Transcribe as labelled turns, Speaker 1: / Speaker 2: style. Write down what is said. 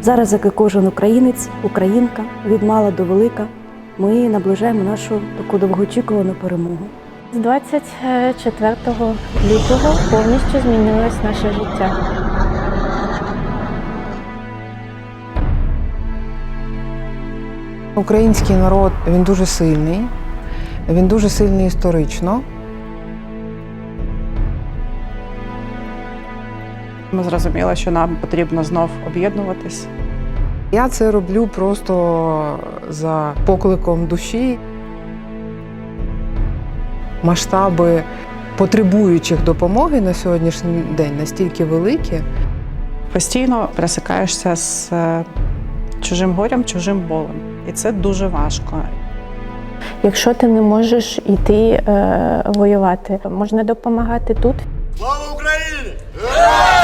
Speaker 1: Зараз, як і кожен українець, українка, від мала до велика, ми наближаємо нашу таку довгоочікувану перемогу.
Speaker 2: З 24 лютого повністю змінилось наше життя.
Speaker 3: Український народ, він дуже сильний історично.
Speaker 4: Ми зрозуміли, що нам потрібно знов об'єднуватись.
Speaker 3: Я це роблю просто за покликом душі. Масштаби потребуючих допомоги на сьогоднішній день настільки великі.
Speaker 4: Постійно пересикаєшся з чужим горем, чужим болем. І це дуже важко.
Speaker 2: Якщо ти не можеш йти воювати, можна допомагати тут.
Speaker 5: Слава Україні!